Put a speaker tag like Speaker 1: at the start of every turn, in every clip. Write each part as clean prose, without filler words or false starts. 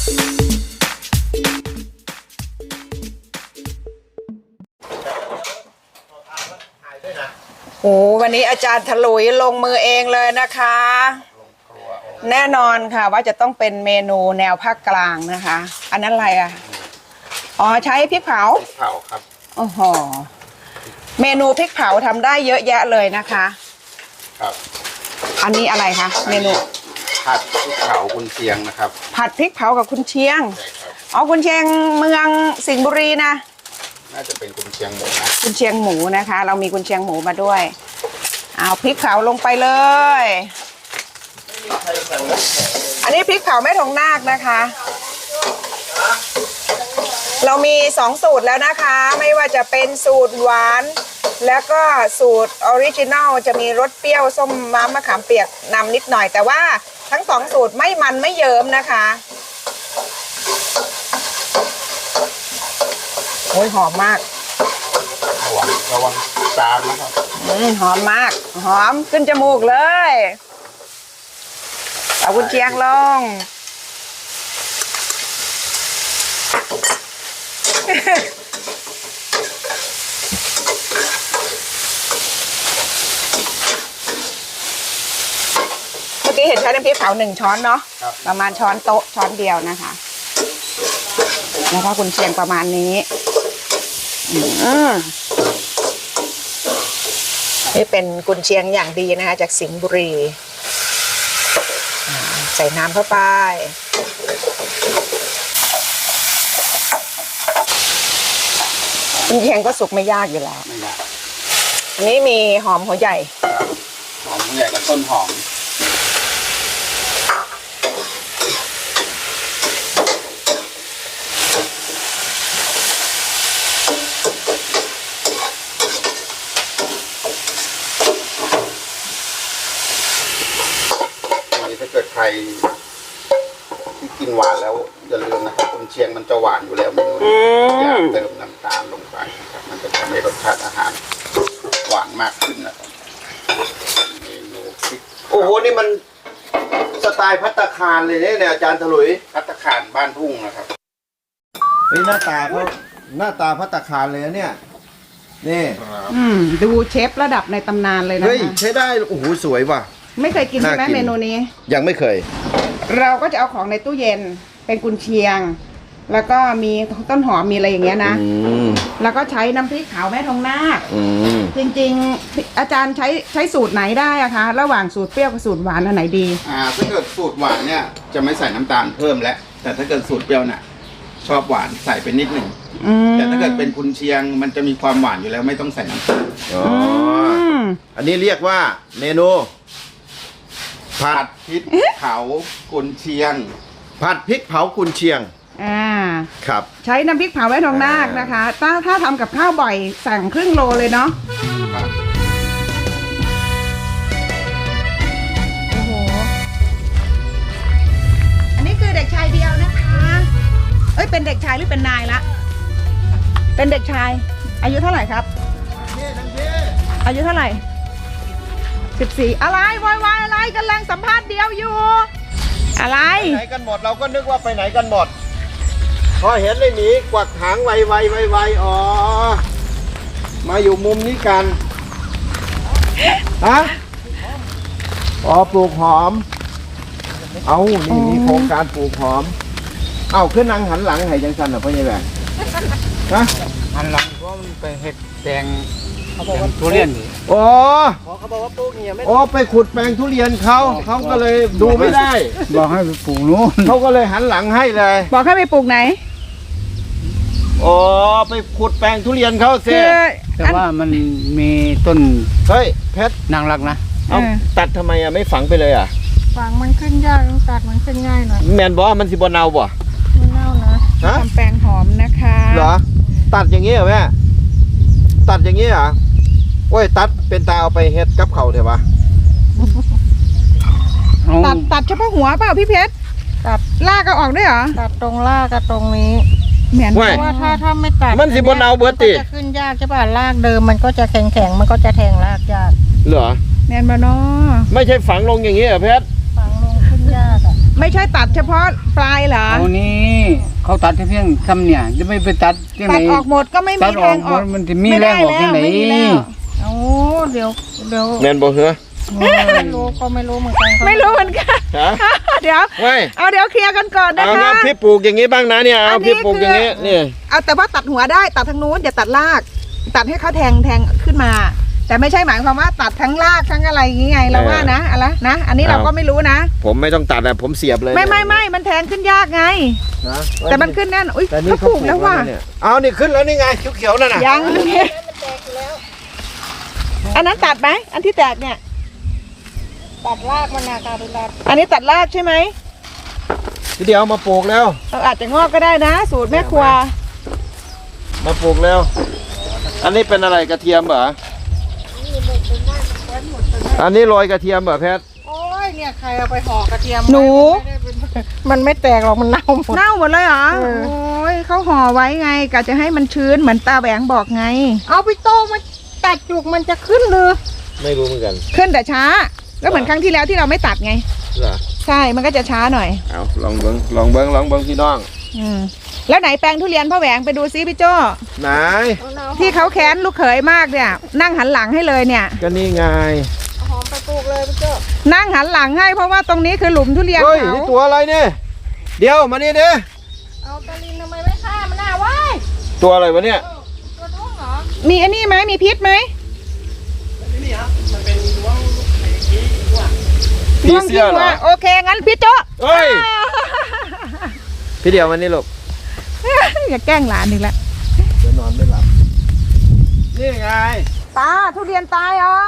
Speaker 1: โอ้วันนี้อาจารย์ถลุยลงมือเองเลยนะคะแน่นอนค่ะว่าจะต้องเป็นเมนูแนวภาคกลางนะคะ อันนั้นอะไรอ่ะอ๋อใช้พริกเผา
Speaker 2: พริกเผาครับ
Speaker 1: โอ้โหเมนูพริกเผาทำได้เยอะแยะเลยนะคะ
Speaker 2: ครับ
Speaker 1: อันนี้อะไรคะเมนู
Speaker 2: ผัดพริกเผากุนเชียงนะครับ
Speaker 1: ผัดพริกเผากับกุนเชียง
Speaker 2: ใช่ครับ
Speaker 1: อ๋อกุนเชียงเมืองสิงห์บุรีนะ
Speaker 2: น่าจะเป็นกุนเชียงหมูนะ
Speaker 1: กุนเชียงหมูนะคะเรามีกุนเชียงหมูมาด้วยเอาพริกเผาลงไปเลย อันนี้พริกเผาแม่ทองนาคนะคะเรามี2สูตรแล้วนะคะไม่ว่าจะเป็นสูตรหวานแล้วก็สูตรออริจินัลจะมีรสเปรี้ยวส้มม้ามะขามเปียกนำนิดหน่อยแต่ว่าทั้ง2สูตรไม่มันไม่เยิ้มนะคะโอ้ยหอมมาก
Speaker 2: ระวังจามนะครับ
Speaker 1: หอมมากหอมขึ้นจมูกเลยเอากุนเชียงลงเมื่อกี้เห็นใช้น้ำพริกเผา1 ช้อนเนาะประมาณช้อนโต๊ะช้อนเดียวนะคะแล้วก็กุนเชียงประมาณนี้นี่เป็นกุนเชียงอย่างดีนะคะจากสิงห์บุรีใส่น้ำเข้าไปกุนเชียงก็สุกไม่ยากอยู่แล้ว
Speaker 2: ไม่ยาก
Speaker 1: อันนี้มีหอมหัวใหญ่
Speaker 2: หอมหัวใหญ่กับต้นหอมถ้าเกิดใครที่กินหวานแล้วอย่าลืมนะครับกุนเชียงมันจะหวานอยู่แล้วเมนูนี้อย่าเติมน้ำตาลลงไปนะครับมันจะทำให้รสชาติอาหารหวานมากขึ้นนะครับเมนูพริก
Speaker 3: โอ้โหนี่มันสไตล์ภัตตาคารเลยเนี่ยอาจารย์ถลุย
Speaker 2: ภัตตาคารบ้านทุ่งนะครับ
Speaker 3: เฮ้ยหน้าตาภัตตาคารเลยนะเนี่ยนี่
Speaker 1: ดูเชฟระดับในตำนานเลยนะ
Speaker 3: เฮ้ยใช้ได้โอ้โหสวยว่ะ
Speaker 1: ไม่เคยกินใช่ไหมเมนูนี้
Speaker 3: ยังไม่เคย
Speaker 1: เราก็จะเอาของในตู้เย็นเป็นกุนเชียงแล้วก็มีต้นหอมมีอะไรอย่างเงี้ยนะแล้วก็ใช้น้ำพริกขาวแม่ทองนาคจริงๆอาจารย์ใช้สูตรไหนได้อะคะระหว่างสูตรเปรี้ยวกับสูตรหวานอันไหนดี
Speaker 2: ถ้าเกิดสูตรหวานเนี่ยจะไม่ใส่น้ำตาลเพิ่มแล้วแต่ถ้าเกิดสูตรเปรี้ยวเนี่ยชอบหวานใส่ไปนิดหนึ่งแต่ถ้าเกิดเป็นกุนเชียงมันจะมีความหวานอยู่แล้วไม่ต้องใส่น้ำตาล
Speaker 3: อันนี้เรียกว่าเมนู
Speaker 2: ผัดพริกเผากุนเชียง
Speaker 3: ผัดพริกเผากุนเชียงครับ
Speaker 1: ใช้น้ำพริกเผาแม่ทองนาคนะคะถ้าทำกับข้าวบ่อยสั่งครึ่งโลเลยเนาะโอ้โหอันนี้คือเด็กชายเดียวนะคะเอ้ยเป็นเด็กชายหรือเป็นนายละเป็นเด็กชายอายุเท่าไหร่ครับอายุเท่าไหร่14อะไรวายอะไรกำลังสัมภาษณ์เดียวอยู่อะไร
Speaker 3: ไหนกันหมดเราก็นึกว่าไปไหนกันหมดพอเห็นเลยหนีกวักหางไวอ๋อมาอยู่มุมนี้กันฮะอ๋อปลูกหอมเอานี่มีโครงการปลูกหอมเอาขึ้นนั่งหันหลังให้จังสันเหรอพ่อใหญ่แหวนฮะ
Speaker 2: หันหลังเพราะมันไปเห็ดแดงทุเรียน
Speaker 3: อ๋อเขาบอกว่าปลูกเนี่ยไม่ไปขุดแปลงทุเรียนเขาก็เลยดูไม่ได้
Speaker 2: บอกให้ไปปลูกนู้น
Speaker 3: เขาก็เลยหันหลังให้เลย
Speaker 1: บอกให้ไปปลูกไหน
Speaker 3: อ๋อไปขุดแปลงทุเรียนเขาเสีย
Speaker 2: แต่ว่ามันมีต้น
Speaker 3: เฮ้ยเพชร
Speaker 2: นางรักนะ
Speaker 3: เอาตัดทำไมไม่ฝังไปเลย
Speaker 4: ฝังมันขึ้นยากต้องตัดมันขึ้นง่ายหน่อย
Speaker 3: แมนบอกว่ามันสิบเนาบ่
Speaker 4: มันเน่านะ
Speaker 1: ทำแปลงหอมนะคะ
Speaker 3: เหรอตัดอย่างนี้เหรอแม่ตัดอย่างนี้เหรอโอ้ยตัดเป็นตาเอาไปเฮ็ดกับเขาเถอะวะ
Speaker 1: ตัดเฉพาะหัวเปล่าพี่เพชรตัดรากก็ออกด้วยเหรอ
Speaker 4: ตัดตรงรากกับตรงนี้
Speaker 1: เหมือน
Speaker 4: เพราะว่าถ้าไม่ตัด
Speaker 3: มันสิบเนาเบิร์ต
Speaker 4: จะขึ้นยากใช่ป่ะรากเดิมมันก็จะแข็งมันก็จะแทงรากยาก
Speaker 3: เหรอ
Speaker 1: แมนบานอ
Speaker 3: ไม่ใช่ฝังลงอย่างนี้เหรอเพชร
Speaker 4: ฝังลงขึ้นยาก
Speaker 1: ไม่ใช่ตัดเฉพาะปลายเหรอ
Speaker 2: เอานี้
Speaker 5: เขาตัดแค่เพียงทำเนี่ยจะไม่ไปตัดยังไง
Speaker 1: ตัดออกหมดก็ไม่
Speaker 5: ตั
Speaker 1: มี
Speaker 5: ด
Speaker 1: แร
Speaker 5: ออก
Speaker 1: ง
Speaker 5: ห
Speaker 1: อ
Speaker 5: ม
Speaker 1: อก
Speaker 5: ดมันจะมีแรงออกที่ไหน
Speaker 1: ไม่มีแล้วโอ้เดี๋ยว
Speaker 3: แม่นบ่เหรอ
Speaker 4: ไม่รู้ก็ไม่รู้เหมือนกัน
Speaker 1: ไม่รู้เหมือนกัน
Speaker 3: ฮะ
Speaker 1: เดี๋ยว
Speaker 3: ไม่
Speaker 1: เดี๋ยวเคลียร์กันก่อนนะ
Speaker 3: เอา
Speaker 1: คะ
Speaker 3: นะพี่ปลูกอย่างนี้บ้างนะเนี่ยเอา
Speaker 1: อันนี้
Speaker 3: พี่ปลูกอย่างนี้
Speaker 1: คือ
Speaker 3: นี่
Speaker 1: เอาแต่ว่าตัดหัวได้ตัดทางนู้นอย่าตัดราก ตัดให้เขาแทงขึ้นมา แต่ไม่ใช่หมายความว่าตัดทั้งรากทั้งอะไรอย่างงี้ไงเราว่านะอะไรนะอันนี้เราก็ไม่รู้นะ
Speaker 3: ผมไม่ต้องตัดนะผมเสียบเลย
Speaker 1: ไม่มันแทงขึ้นยากไง
Speaker 3: นะ
Speaker 1: แต่มันขึ้นแน่นอุ้ย
Speaker 3: แต่นี่
Speaker 1: เขาปลูกแล้วว่ะ
Speaker 3: เนี่ยเอานี่ขึ้นแล้วนี่ไงเขียวๆนั่นน่ะ
Speaker 1: ยังอันนั้นตัดไหมอันที่แตกเนี่ย
Speaker 4: ตัดรากมันนะคะเวลา
Speaker 1: อันนี้ตัดรากใช่ไหม
Speaker 3: ทีเดียวมาปลูกแล้ว
Speaker 1: อาจจะงอกก็ได้นะ สูตรแม่ครัว
Speaker 3: มาปลูกแล้ว อันนี้เป็นอะไรกระเทียมเหรออันนี้โรยกระเทียมเหรอแพท
Speaker 4: โอ้ยเนี่ยใครเอาไปห่อกระเทียม
Speaker 1: หนู
Speaker 4: มันไม่แตกหรอกมันเน่าหมด
Speaker 1: เน่าหมดเลยเหรอ
Speaker 4: เออ
Speaker 1: โอ้ยเขาห่อไว้ไงกะจะให้มันชื้นเหมือนตาแหวงบอกไง
Speaker 4: เอาไปโต้มันตัดจุกมันจะขึ้นเลย
Speaker 3: ไม่รู้เหมือนกัน
Speaker 1: ขึ้นแต่ช้า ก็เหมือนครั้งที่แล้วที่เราไม่ตัดไง
Speaker 3: เหรอ
Speaker 1: ใช่ มันก็จะช้าหน่อย
Speaker 3: เอาลองเบิ้งพี่น้อง
Speaker 1: อืมแล้วไหนแปลงทุเรียนพ่อแหวงไปดูซิพี่โจ้
Speaker 3: ไหน
Speaker 1: ที่เขาแค้นลูกเขยมากเนี่ย นั่งหันหลังให้เลยเนี่ย
Speaker 3: ก็นี่ไง
Speaker 4: เอาหอมไปปลูกเลยพี่เจ้า
Speaker 1: นั่งหันหลังให้เพราะว่าตรงนี้คือหลุมทุเรียน
Speaker 3: เฮ้ย
Speaker 1: เขา
Speaker 3: นี่ตัวอะไรเนี่ยเดี๋ยวมานี่ดิ
Speaker 4: เอาตะลินทำไมไม่ฆ่ามันน่ะว้าย
Speaker 3: ตัวอะไรวะเนี่ย
Speaker 4: ตัวท้องเหรอ
Speaker 1: มีอันนี้ไหมมีพิษไหม
Speaker 3: ผีเสื้อเหรอ
Speaker 1: โอเคงั้นพี่โจ้
Speaker 3: เฮ้ย พี่เดียวมันนี่ลูก
Speaker 1: อย่าแกล้งหลานอีกแล้ว
Speaker 3: เดี๋ยวนอนไม่หลับนี่ไง
Speaker 1: ตาทุเรียนตายเหรอ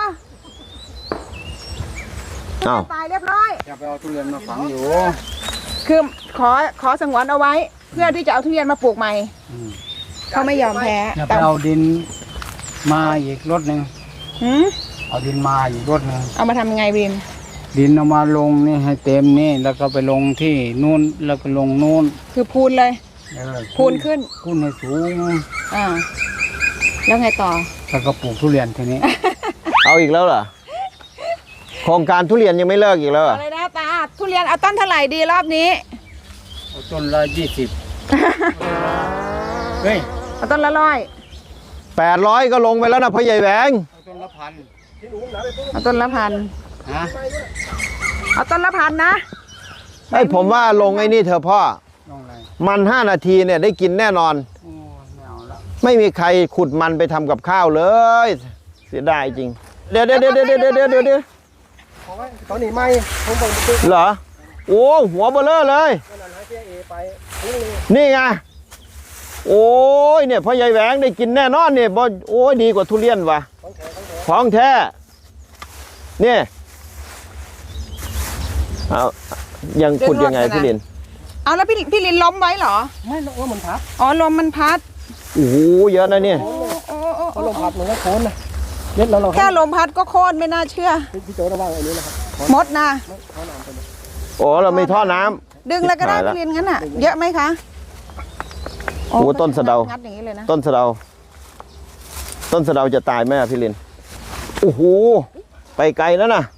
Speaker 3: อ้าว
Speaker 1: ตายเรียบร้อย
Speaker 5: จะไปเอาทุเรียนมาฝังอยู่
Speaker 1: คือขอสงวนเอาไว้ เพื่อที่จะเอาทุเรียนมาปลูกใหม่ เขาไม่ยอมแพ้
Speaker 5: จะไป
Speaker 1: แต่
Speaker 5: เอาดินมาอีกรถหนึ่ง
Speaker 1: หืม
Speaker 5: เอาดินมาอีกรถหนึ่ง
Speaker 1: เอามาทำยังไงวิน
Speaker 5: ดินเอามาลงนี่ให้เต็มนี่แล้วก็ไปลงที่นู่นแล้วก็ลงนู่น
Speaker 1: คือพูนเลย พูนขึ้น
Speaker 5: พูนให้สูง
Speaker 1: อ่าแล้วไงต่อ
Speaker 5: แล้วก็ปลูกทุเรียนทีนี้
Speaker 3: เอาอีกแล้วเหรอ โครงการทุเรียนยังไม่เลิกอีกแล้วเหรอ
Speaker 1: อะไรนะตาทุเรียนเอาต้นเท่าไหร่ดีรอบนี้
Speaker 5: เอาต้นละ20เฮ้ย
Speaker 1: เอาต้นละ100
Speaker 3: 800ก็ลงไปแล้วนะพ่อใหญ่แหวง
Speaker 5: เอาต้นละ1,000
Speaker 1: เอาต้นละ1,000
Speaker 5: ฮะ
Speaker 1: เอาต้นละ1,000นะ
Speaker 3: ไอ้ผมว่าลงไอ้นี่เถอะพ่อ
Speaker 5: ลงอะไร
Speaker 3: มัน5 นาทีเนี่ยได้กินแน่นอน
Speaker 5: โอ้ไม่เอาละ
Speaker 3: ไม่มีใครขุดมันไปทำกับข้าวเลย เสียดายจริง เดี๋ยว
Speaker 6: ตอนนี้ไม่ผมบอกไป
Speaker 3: เหรอ โอ้หัวเบลเลอร์เลย นี่ไง โอ้ยเนี่ยพ่อใหญ่แหวงได้กินแน่นอนเนี่ยบ่โอ้ยดีกว่าทุเรียนว่ะของแท้เนี่ยเอายังขุดยังไงพี่ลิน
Speaker 1: เอาแล้วพี่ลินล้มไว้เหรอ
Speaker 6: ไม่ว่ามันพับ
Speaker 1: อ๋อลมมันพัด
Speaker 3: โอ้โหเยอะนะเนี่ย
Speaker 6: เขาลงพับมันก็โค้นนะเล็ดแล้วเรา
Speaker 1: แค่ลมพัดก็โค่นไม่น่าเชื่อ
Speaker 6: พี่โจระวังอันนี้นะครับ
Speaker 1: มดนะ
Speaker 3: โอ้เราไม่ท่อน้ำ
Speaker 1: ดึงแล้วก็ได้
Speaker 3: หายละ
Speaker 1: พี่ลินงั้นอ่ะ เยอะไหมคะ
Speaker 3: โอ้ต้นสะเดา
Speaker 1: งัดอย่างนี้เลยนะ
Speaker 3: ต้นสะเดา ต้นสะเดาจะตายไหมอะพี่ลิน โอ้โห ไปไกลแล้วนะ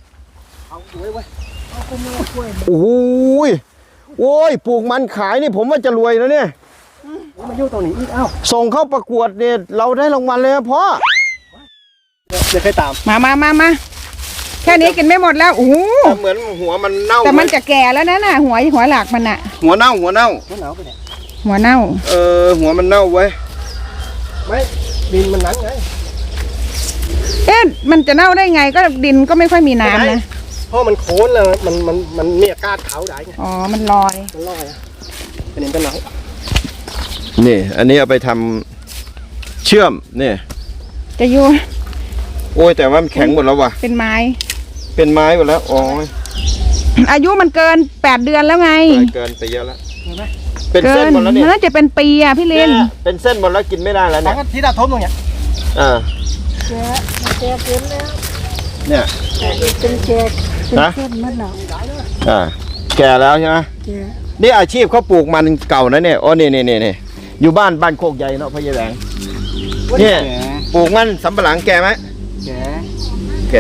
Speaker 3: โอ้โหโอ้ย ปลูกมันขายนี่ผมว่าจะรวยนะเนี่ย
Speaker 6: มายุ่งตรงนี้อีกอ้าว
Speaker 3: ส่งเข้าประกวดเนี่ยเราได้รางวัลเลยนะพ่อ
Speaker 6: เดี๋ยวเคยตาม
Speaker 1: มาแค่นี้กินไม่หมดแล้วโอ้โห
Speaker 3: เหมือนหัวมันเน่า
Speaker 1: แต่มันจะแก่แล้วนะน่ะหัวหลักมันอ่ะ
Speaker 3: หัวเน่า
Speaker 6: หัวหนาวไปเนี่ย
Speaker 1: หัวเน่า
Speaker 3: หัวมันเน่าไว้ย
Speaker 6: ไม่ดินมันนั้นไง
Speaker 1: เอ๊ะมันจะเน่าได้ไงก็ดินก็ไม่ค่อยมีน้ำนะ
Speaker 6: เพราะมันโค้นเลยมันมีอากาศขาวได้ไง
Speaker 1: อ๋อมันลอย
Speaker 6: มันลอยอ่ะเป็นเป็นหนัง
Speaker 3: นี่ อันนี้เอาไปทำเชื่อมนี่
Speaker 1: จะอยู่
Speaker 3: โอ้ยแต่ว่ามันแข็งหมดแล้วว่ะ
Speaker 1: เป็นไม้
Speaker 3: เป็นไม้หมดแล้วโอ้ย
Speaker 1: อายุมันเกิน8 เดือนแล้วไง
Speaker 3: เกินไปเยอะแล้วเป็นเส้นหมดแล้วเนี่ย
Speaker 1: น่าจะเป็นปีอ่ะพี่ลิน
Speaker 3: เป็นเส้นหมดแล้วกินไม่ได้แล้ว
Speaker 6: แต่
Speaker 3: เนี่ย
Speaker 6: ก็ที่ดาทมตรงเนี้ย
Speaker 4: แกเกินแล้ว
Speaker 3: เนี่ย
Speaker 4: เป็นแก
Speaker 3: นะ
Speaker 4: เส้นมันหนาว
Speaker 3: แก่แล้วใช่ไหม
Speaker 4: แก
Speaker 3: นี่อาชีพเขาปลูกมันเก่านะเนี่ยโอ้นี่อยู่บ้านโคกใหญ่เนาะพ่อใหญ่แหวงเนี่ยปลูกมันสำปะหลังแก่ไหม
Speaker 5: แก
Speaker 3: แก่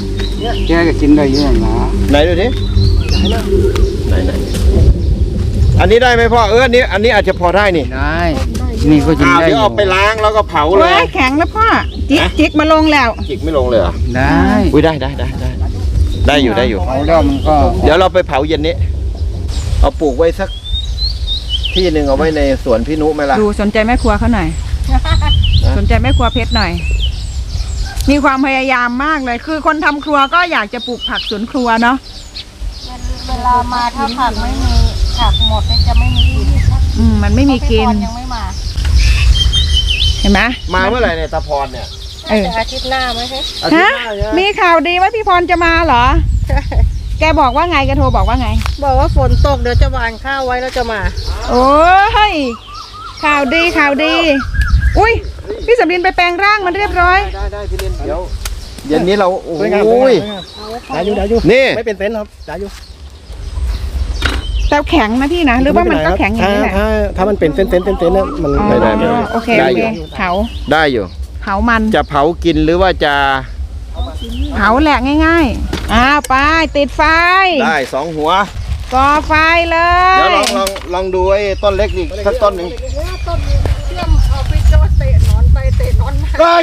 Speaker 5: แกก็กินได้เยอะนะ
Speaker 3: ไหนดูดิไหนอันนี้ได้ไหมพ่ออันนี้อาจจะพอได้นี่
Speaker 5: ได้ นี่ก็ยิงได้
Speaker 3: เดี๋
Speaker 5: อ
Speaker 3: ยว
Speaker 5: ยู่
Speaker 3: เอาไปล้างแล้วก็เผาเล
Speaker 1: โอ้
Speaker 3: ย
Speaker 1: ยแข็งแล้วพ่อจิกมาลงแล้ว
Speaker 3: จิกไม่ลงเลยเหรอ
Speaker 5: ได้
Speaker 3: อุ้ยได้อยู่
Speaker 5: เอาแล้วมันก็
Speaker 3: เดี๋ยวเราไปเผาเย็นนี้ เอาปลูกไว้สักที่หนึ่งเอาไว้ในสวนพี่นุไหมล่ะ
Speaker 1: ดูสนใจแม่ครัวเขาหน่อย สนใจแม่ครัวเพชรหน่อย มีความพยายามมากเลย คือคนทำครัวก็อยากจะปลูกผักสวนครัวเนาะ
Speaker 4: เวลามาถ้าผักไม่มีผักหมดเนี่ยจะไม่มีกิน
Speaker 1: มันไม่มีกิน
Speaker 4: พี่พรยังไม่มา
Speaker 1: เห็นไหม
Speaker 3: มาเมื่อไหร่เนี่ยตาพรเนี่ย
Speaker 1: เออ
Speaker 4: แต่อาทิตย์หน้าไหมคะ
Speaker 3: อาทิต
Speaker 1: ฮะ
Speaker 3: ย์หน้าใช่ไหม
Speaker 1: มีข่าวดีว่าพี่พรจะมาเหรอ แกบอกว่าไงแกโทรบอกว่าไง
Speaker 4: บอกว่าฝนตกเดี๋ยวจะหว่านข้าวไว้แล้วจะมา
Speaker 1: โอ้ยข่าวดีข่าวดี อุ้ยพี่สำลินไปแปลงร่างมันเรียบร้อย
Speaker 3: ได้พี่เล่นเดี๋ยวเย็นนี้เราโอ้
Speaker 6: สวยงาม
Speaker 3: ย
Speaker 6: ได้อยู่
Speaker 3: นี่
Speaker 6: ไม่เป็นเต็นท์ครับได้อยู่
Speaker 1: แต่แข็งนะพี่นะหรือว่ามันก็แข็งอย่างนี้แหละ
Speaker 6: ถ้ามันเป็นเต็นท์เนี่ยมัน
Speaker 1: อ๋อ
Speaker 3: ได้
Speaker 1: โอเค
Speaker 3: ได้
Speaker 1: โอ
Speaker 3: อยู่
Speaker 1: เคเผา
Speaker 3: ได้อยู่
Speaker 1: เผามัน
Speaker 3: จะเผากินหรือว่าจะ
Speaker 1: เผาแหละง่ายๆอ้าวไปติดไฟ
Speaker 3: ได้สองหัว
Speaker 1: ก่อไฟเล
Speaker 3: เดี๋ยวย ลองดูไอ้ต้นเล็กอีกสักต้นหนึ่ง
Speaker 4: ต้นเชื่อมเอาไปโจเตะนอนไปเตะนอนมา
Speaker 3: เฮ้ย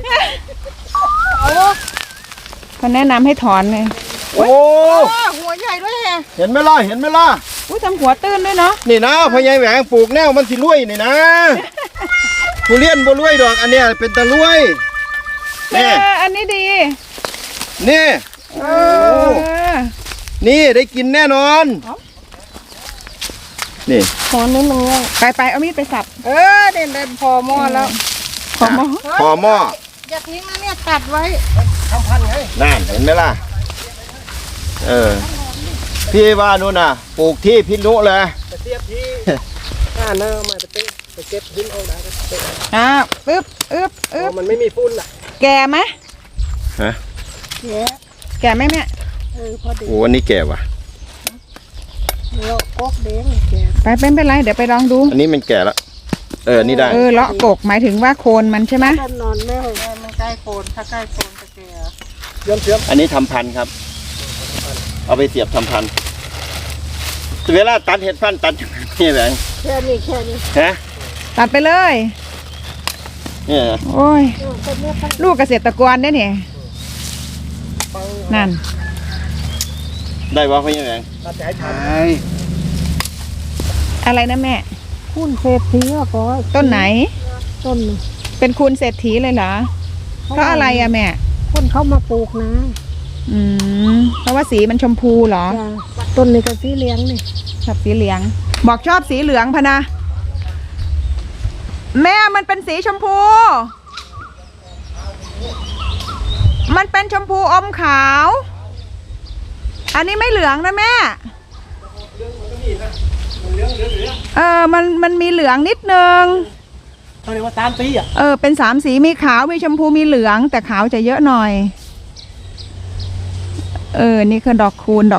Speaker 1: เขาแนะนำให้ถอนเลย
Speaker 3: โอ้
Speaker 4: หัวใหญ่ด้วยแฮะ
Speaker 3: เห็นไหมล่ะเห็นไหมล่ะ
Speaker 1: อุ้ยทำหัวตื้นด้วยเนาะ
Speaker 3: นี่นะพญายแหวงปลูกแนวมันสิรวยนี่นะผู้เลี้ยนบ่รวยดอกอันเนี้ยเป็นตะรวย
Speaker 1: เอ
Speaker 3: นี่
Speaker 1: ออันนี้ดี
Speaker 3: นี่
Speaker 1: เออ
Speaker 3: นี่ได้กินแน่นอน นี่
Speaker 4: ขอนิดนึงเลย
Speaker 1: ไปเอามีดไปสับ
Speaker 4: เด่นพอหม้อแล้ว
Speaker 1: ขอหมอ
Speaker 3: พอหม้อ
Speaker 4: อย่าทิ้งนะเนี่ยตัดไว้
Speaker 3: นั่นเห็นไหมล่ะ พี่ว่านู่นน่ะ ปลูกที่พินุเลย
Speaker 6: เทียบที่ข้าเนอะมาไปเก็บหินเอาได้
Speaker 1: อ้าวอึ๊บอึ๊บอึ๊บ
Speaker 6: มันไม่มีฝุ่นอ่ะ
Speaker 1: แก่ไหม
Speaker 3: ฮะ
Speaker 1: แก่ไหมแม่
Speaker 4: พอดี
Speaker 3: โอ้อันนี้แก่ว่ะ
Speaker 4: แล้วก๊กเด้งแก
Speaker 1: ไปเป็นไรเดี๋ยวไปลองดู
Speaker 3: อันนี้มันแก่แล้วอันนี้ได้
Speaker 1: เลาะกกหมายถึงว่าโคนมันใช่ไหม
Speaker 4: ต้นนอนแม่มันใกล้โคนถ้าใกล้โคนจะแก่
Speaker 6: เชื่อม
Speaker 3: อันนี้ทำพันธุ์ครับ เอาไปเสียบทำพันธุ์เวลาตัดเห็ดพันธุ์ตัดยังไงนี่แหละ
Speaker 4: แค่นี้
Speaker 3: ฮะ
Speaker 1: ตัดไปเลย
Speaker 3: เนี่ย
Speaker 1: โอ้ยลูกเกษตรกรได้เนี่ยนั่น
Speaker 3: ได้ว่าพี่แหวง
Speaker 6: ตัดใจทัน
Speaker 5: ไอ้
Speaker 1: อะไรนะแม่
Speaker 4: คุณเศรษฐีอ่ะก็
Speaker 1: ต้นไหน
Speaker 4: ต้น
Speaker 1: เป็นคุณเศรษฐีเลยเหรอเพราะอะไรอะแม่
Speaker 4: คนเข้ามาปลูกนะ
Speaker 1: เพราะว่าสีมันชมพูเหรอ
Speaker 4: ต้นนี้ก็สีเหลืองนี่
Speaker 1: ชอบสีเหลือง บอกชอบสีเหลืองพะนะ แม่มันเป็นสีชมพู มันเป็นชมพูอมขาว อันนี้ไม่เหลืองนะแม่มันมีเหลืองนิดนึง
Speaker 6: เขาเรียกว่าตามปีอ่ะ
Speaker 1: เป็น3 สีมีขาวมีชมพูมีเหลืองแต่ขาวจะเยอะหน่อย นี่คือดอกคูณ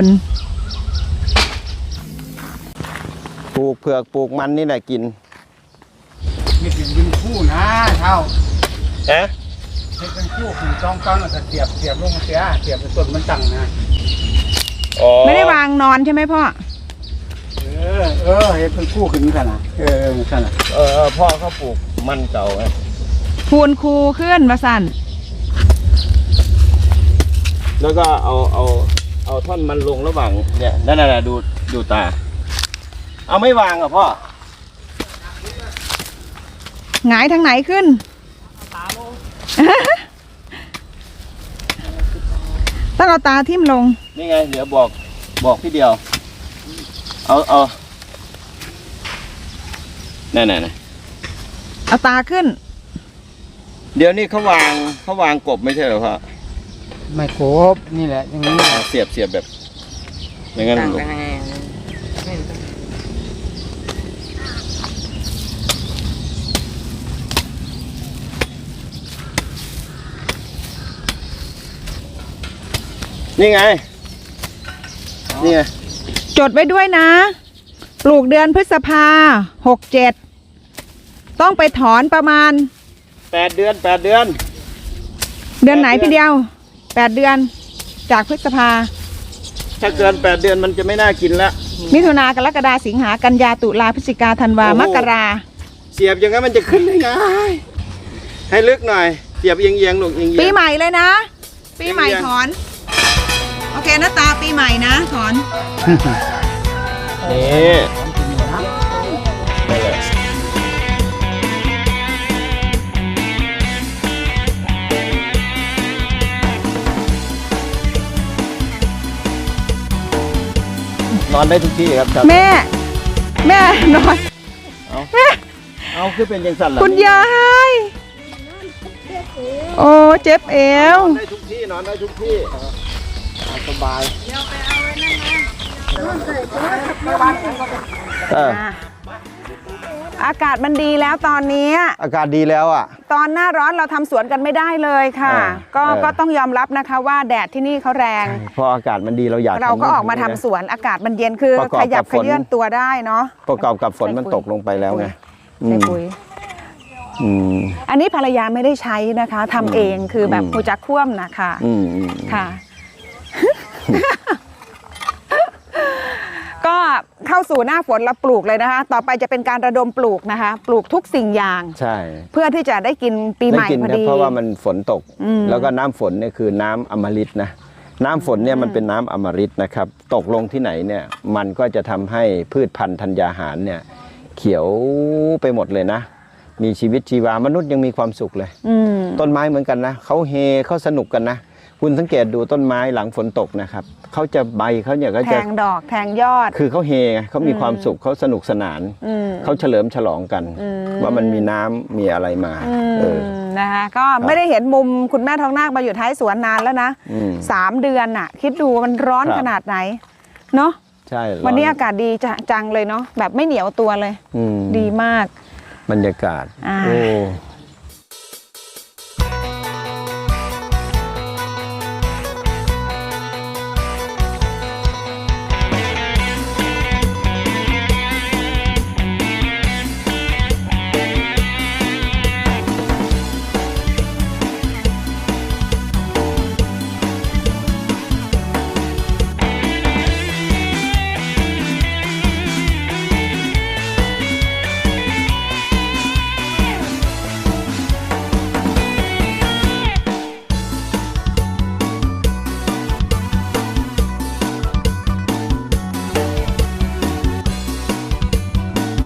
Speaker 3: ปลูกเผือกปลูกมันนี่แหละกิน
Speaker 5: นี่เป็นยิงคู่นะเท่า
Speaker 3: ฮะ
Speaker 5: ให้เป็นคู่ถึง2 ตอนแล้วก็เสียบลงเสียเสียบเป็นต้นมันตั้งนะ
Speaker 1: ไม่ได้วางนอนใช่ไหมพ่อ
Speaker 5: ให้เป็นคู่ขึ้นกันนะกันนะ
Speaker 3: พ่อเขาปลูกมันเก่าไง
Speaker 1: คูณคูขึ้นมาสั่น
Speaker 3: แล้วก็เอาท่อนมันลงระหว่างเนี่ยนั่นน่ะดูตา เอาไม่วางอ่ะพ่อ
Speaker 1: หงายทางไหนขึ้น ต้องเอาตาทิ่มลง
Speaker 3: นี่ไงเดี๋ยวบอกพี่เดียว เอานั่น
Speaker 1: เอาตาขึ้น
Speaker 3: เดี๋ยวนี้เขาวางกบไม่ใช่เหรอพ่อ
Speaker 5: ไม่ครบนี่แหละอย่างนี้
Speaker 3: เสียบแบบอย่างนั้นลงนี่ไง
Speaker 1: จดไว้ด้วยนะ ปลูกเดือนพฤษภา67ต้องไปถอนประมาณ
Speaker 3: 8 เดือน
Speaker 1: เดือนไหนพี่เดียว8 เดือนจากพฤษภา
Speaker 3: ถ้าเกิน8 เดือนมันจะไม่น่ากินแล้ว
Speaker 1: มิถุนากรกฎาสิงหากันยาตุลาพฤศจิกาธันวามกรา
Speaker 3: เสียบอย่างนั้นมันจะขึ้นได้ไงให้ลึกหน่อยเสียบเอียงๆลูกเอียงๆ
Speaker 1: ปีใหม่เลยนะ ปีใหม่
Speaker 3: ยัง
Speaker 1: ถอน โอเคนะตาปีใหม่นะถอน
Speaker 3: นี่นอนได้ทุกที่ครับ
Speaker 1: แม่ แม่นอนแม่
Speaker 3: เอาคือเป็นยังสั่นล่ะ
Speaker 1: คุณยายโอ้เจ็บเอวน
Speaker 3: อนได้ทุกที่นอนได้ทุกที่สบาย
Speaker 1: อากาศมันดีแล้วตอนนี้
Speaker 3: อากาศดีแล้วอ่ะ
Speaker 1: ตอนหน้าร้อนเราทำสวนกันไม่ได้เลยค่ะ ก็ต้องยอมรับนะคะว่าแดดที่นี่เขาแรง
Speaker 3: พออากาศมันดีเราอยาก
Speaker 1: เราก็ออกมาทำสวนอากาศมันเย็นคือ
Speaker 3: ประกอบ
Speaker 1: ข
Speaker 3: กับ
Speaker 1: ยับ
Speaker 3: ฝ
Speaker 1: ข
Speaker 3: น
Speaker 1: ยื่นตัวได้เนาะ
Speaker 3: ประกอบกับฝนมันตกลงไปแล้วไง
Speaker 1: ใส่ปุ๋ย
Speaker 3: อืม
Speaker 1: อันนี้ภรรยาไม่ได้ใช้นะคะทำเองคือแบบหูจักคว่ำนะคะ
Speaker 3: อืม
Speaker 1: ค่ะ ก็เข้าสู่หน้าฝนแล้วปลูกเลยนะคะ ต่อไปจะเป็นการระดมปลูกนะคะ ปลูกทุกสิ่งอย่าง
Speaker 3: ใช่
Speaker 1: เพื่อที่จะได้กินปีใหม่
Speaker 3: ได้กิน
Speaker 1: พอ
Speaker 3: นะ
Speaker 1: ดี
Speaker 3: เพราะว่ามันฝนตก
Speaker 1: อืม
Speaker 3: แล้วก็น้ำฝนเนี่ยคือน้ำอมฤตนะน้ำฝนเนี่ยมันเป็นน้ำอมฤตนะครับตกลงที่ไหนเนี่ยมันก็จะทำให้พืชพันธุ์ธัญญาหารเนี่ยเขียวไปหมดเลยนะ มีชีวิตชีวามนุษย์ยังมีความสุขเลย
Speaker 1: อืม
Speaker 3: ต้นไม้เหมือนกันนะเขาเฮเขาสนุกกันนะคุณสังเกตดูต้นไม้หลังฝนตกนะครับเขาจะใบเขาเนี่ยก็
Speaker 1: แท
Speaker 3: จะ
Speaker 1: งดอกแทงยอด
Speaker 3: คือเขาเฮไงเขามีความสุขเขาสนุกสนาน
Speaker 1: อืม
Speaker 3: เขาเฉลิมฉลองกัน
Speaker 1: อืม
Speaker 3: ว่ามันมีน้ำมีอะไรมา
Speaker 1: อืม
Speaker 3: เออ
Speaker 1: นะคะก็ไม่ได้เห็นมุมคุณแม่ทองนาคมาอยู่ท้ายสวนนานแล้วนะ
Speaker 3: อืม
Speaker 1: 3 เดือนน่ะ คิดดูมันร้อน
Speaker 3: ครับ
Speaker 1: ขนาดไหนเนาะ
Speaker 3: ใช่
Speaker 1: วันนี้
Speaker 3: ร้
Speaker 1: อากาศดีจังเลยเนาะแบบไม่เหนียวตัวเลย
Speaker 3: อืม
Speaker 1: ดีมาก
Speaker 3: บรรยากาศ
Speaker 1: อ่า
Speaker 3: โอ้